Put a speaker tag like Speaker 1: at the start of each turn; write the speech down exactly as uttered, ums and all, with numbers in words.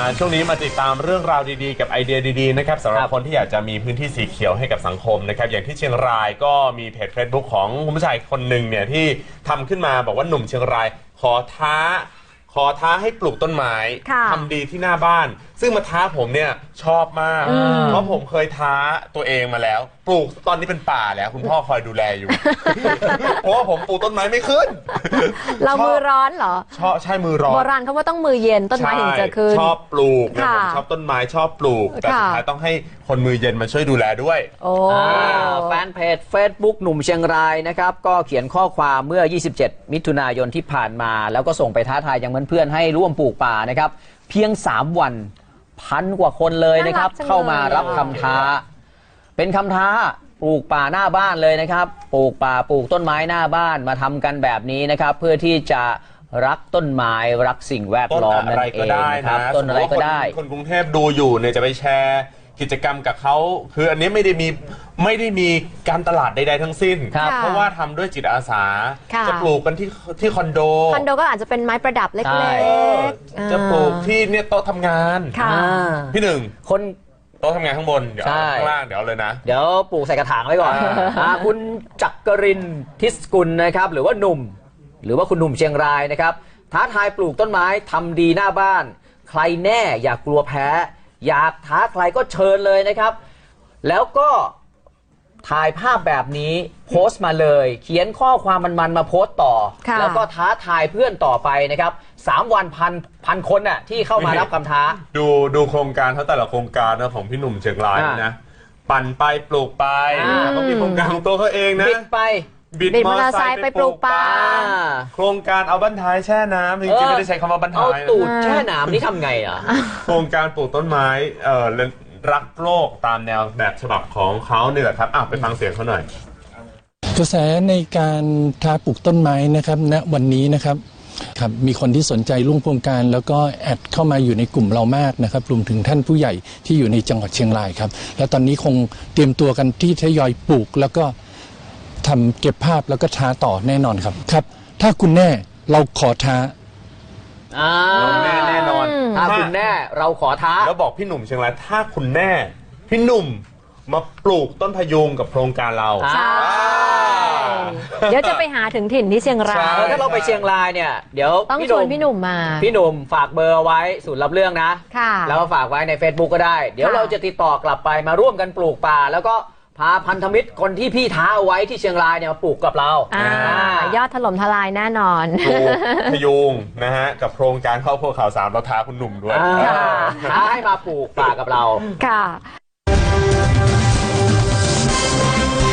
Speaker 1: ช่วงนี้มาติดตามเรื่องราวดีๆกับไอเดียดีๆนะครับสำหรับคนที่อยากจะมีพื้นที่สีเขียวให้กับสังคมนะครับอย่างที่เชียงรายก็มีเพจ Facebook ของคุณผู้ชายคนหนึ่งเนี่ยที่ทำขึ้นมาบอกว่าหนุ่มเชียงรายขอท้าขอท้าให้ปลูกต้นไม้ทำดีที่หน้าบ้านซึ่งมาท้าผมเนี่ยชอบมากเพราะผมเคยท้าตัวเองมาแล้วปลูกตอนนี้เป็นป่าแล้วคุณพ่อคอยดูแลอยู่ เพราะว่าผมปลูกต้นไม้ไม่ขึ้น
Speaker 2: เรามือร้อนเหรอ
Speaker 1: ชอบใช่มือร้อน
Speaker 2: โบราณเขาว่าต้องมือเย็นต้นไม้ถึงจะขึ้น
Speaker 1: ชอบปลูกนะผมชอบต้นไม้ชอบปลูกแต่สุดท้ายต้องให้คนมือเย็นมาช่วยดูแลด้วย
Speaker 2: โอ้
Speaker 3: แฟนเพจ Facebook หนุ่มเชียงรายนะครับก็เขียนข้อความเมื่อยี่สิบเจ็ดมิถุนายนที่ผ่านมาแล้วก็ส่งไปท้าทายยังเพื่อนๆให้ร่วมปลูกป่านะครับเพียงสามวันพันกว่าคนเลยนะครับเข้ามารับคำท้าเป็นคำท้าปลูกป่าหน้าบ้านเลยนะครับปลูกป่าปลูกต้นไม้หน้าบ้านมาทำกันแบบนี้นะครับเพื่อที่จะรักต้นไม้รักสิ่งแวดล้อมนั่นเองนะครับต้นอะไรก็ได้
Speaker 1: คนกรุงเทพดูอยู่เนี่ยจะไปแชร์กิจกรรมกับเขาคืออันนี้ไม่ได้มีไม่ได้มีการตลาดใดๆทั้งสิ้นเพราะว่าทำด้วยจิตอาสาจะปลูกกันที่ที่คอนโด
Speaker 2: คอนโดก็อาจจะเป็นไม้ประดับเล็ก
Speaker 1: ๆจะปลูกที่เนี่ยโต๊ะทำงานพี่หนึ่งคนโต๊ะทำงานข้างบนเดี๋ยวข้างล่างเดี๋ยวเลยนะ
Speaker 3: เดี๋ยวปลูกใส่กระถางไว้ก่อนคุณจักรินทร์ทิศกุลนะครับหรือว่าหนุ่มหรือว่าคุณหนุ่มเชียงรายนะครับท้าทายปลูกต้นไม้ทำดีหน้าบ้านใครแน่อย่ากลัวแพ้อยากท้าใครก็เชิญเลยนะครับแล้วก็ถ่ายภาพแบบนี้โพสต์มาเลยเขียนข้อความมันๆมาโพสต์ต่อแล้วก็ท้าทายเพื่อนต่อไปนะครับสามวันพันพันคนน่ะที่เข้ามารับคำท้า
Speaker 1: ดูดูโครงการเขาแต่ละโครงการนะของพี่หนุ่มเชียงรายนะปั่นไปปลูกไปเขามีโครงการของตัวเขาเองนะ
Speaker 3: บิดไป
Speaker 2: บิดมอเตอร์ไซค์ไปปลูกป่า
Speaker 1: โครงการเอาบั้นท้ายแช่น้ำจริงๆไม่ได้ใช้คำว่าบั้นท้าย
Speaker 3: เอาตูดแช่น้ำนี่ทำไงอ่ะ
Speaker 1: โครงการปลูกต้นไม้เอ่อรักโลกตามแนวแบบฉบับของเขาเนี่ยแหละครับอ่ะไปฟังเสียงเขาหน่อย
Speaker 4: กระแสในการท้าปลูกต้นไม้นะครับณวันนี้นะครับครับมีคนที่สนใจร่วมโครงการแล้วก็แอดเข้ามาอยู่ในกลุ่มเรามากนะครับรวมถึงท่านผู้ใหญ่ที่อยู่ในจังหวัดเชียงรายครับและตอนนี้คงเตรียมตัวกันที่ทยอยปลูกแล้วก็ทำเก็บภาพแล้วก็ท้าต่อแน่นอนครับครับถ้าคุณแน่เราขอท้า
Speaker 3: แน่แน่นอนถ้าคุณแน่เราขอท้า
Speaker 1: แล้วบอกพี่หนุ่มเชียงรายถ้าคุณแน่พี่หนุ่มมาปลูกต้นพะยุงกับโครงการเรา
Speaker 2: ใช่เดี๋ยวจะไปหาถึงถิ่นที่เชียงราย
Speaker 3: ถ้าเราไปเชียงรายเนี่ยเดี๋ยว
Speaker 2: ต้องชวนพี่หนุ่มมา
Speaker 3: พี่หนุ่มฝากเบอร์ไว้ศูนย์รับเรื่องนะแล้วก็ฝากไว้ใน Facebook ก็ได้เดี๋ยวเราจะติดต่อกลับไปมาร่วมกันปลูกป่าแล้วก็พาพันธมิตรคนที่พี่ท้าเอาไว้ที่เชียงรายเนี่ยมาปลูกกับเรา
Speaker 2: ยอดถล่มทลายแน่นอน
Speaker 1: ปลูกพยุงนะฮะกับโครงการครอบครัวข่าวสามเราท้าคุณหนุ่มด้วย
Speaker 3: ท้าให้มาปลูกป่ากับเรา
Speaker 2: ค่ะ